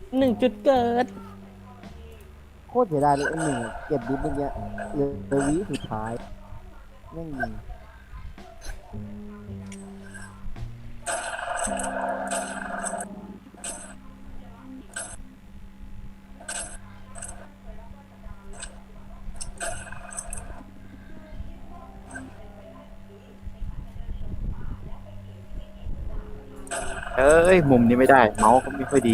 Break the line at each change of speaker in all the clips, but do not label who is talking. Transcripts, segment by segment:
1 จุดเกิด
โคตรเสียดายเลยM1เก็บดิฟเมื่อกี้เหลือวิสุดท้ายแม่งยิง
เอ้ยมุมนี้ไม่ได้เมาส์ก็ไม่ค่อยดี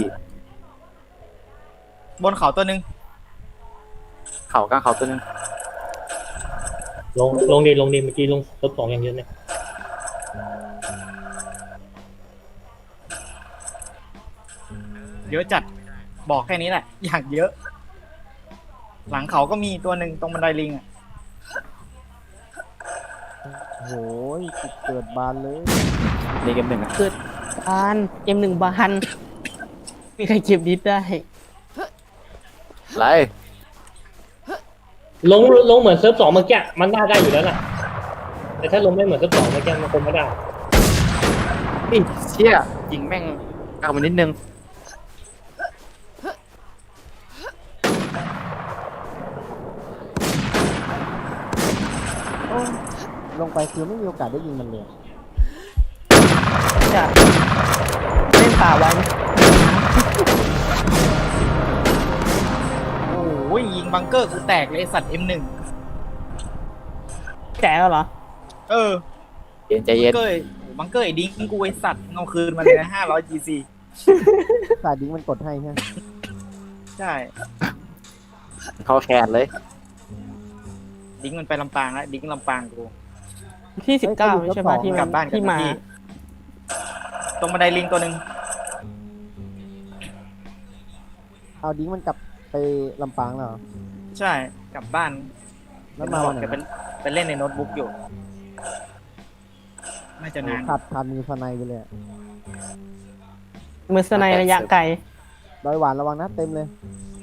บนเขาตัวหนึ่ง
เข่ากลางเขาตัวนึง
ลงดิเมื่อกี้ลงรถสองอย่างเยอะเนี่ย
เยอะจัดบอกแค่นี้แหละ อย่างเยอะ หลังเขาก็มีตัวหนึ่งตรงบันไดลิงอ่ะ
โหยจุดเกิดบานเลย
นี่เกมหนึ่งอะ
เกิดบานM1บานมีใครเก็บดิสได้
ไร
ลงเหมือนเซิร์ฟสองเมื่อกี้มันน่าได้อยู่แล้วน่ะแต่ถ้าลงไม่เหมือนเซิร์ฟสองเมื่อกี้มันคงไม่ได้
นี่เชี่ยยิงแม่งกลับมานิดนึง
โอ้ลงไปคือไม่มีโอกาสได้ยิงมันเลย
จะเล่นป่าไว้
โอ้ยยิงบังเกอร์กูแตกเลยไอ้สัตว์ M1
แจ๋วเหรอ
เออ
เย็นใจ
บั
เย็
ง
น
เกอร์บังเกอร์ไอ้ดิ้งกูไอ้สัตว์เอาคืนมาเลยนะ500 GC
สายดิ้งมันกดให้ใช่ไหม
ใช่
เข้าแคนเลย
ดิ้งมันไปลำปางแล้วดิ้งลำปางกู
ที่19ใช่ปะที่
กลับบ้าน
ที่มา
ตรงบันไดลิงตัวหนึ่ง
เอาดิ้งมันกลับไปลำปางแล้วเหรอ
ใช่กลับบ้าน
แล้วมาวันไหน
แกเป็นเล่นในโน้ตบุ๊กอยู่น่าจะนาน
ขาดมือสไนไปเลยอะ
มือสไนระยะไกล
ดอยหวานระวังนะเต็มเลย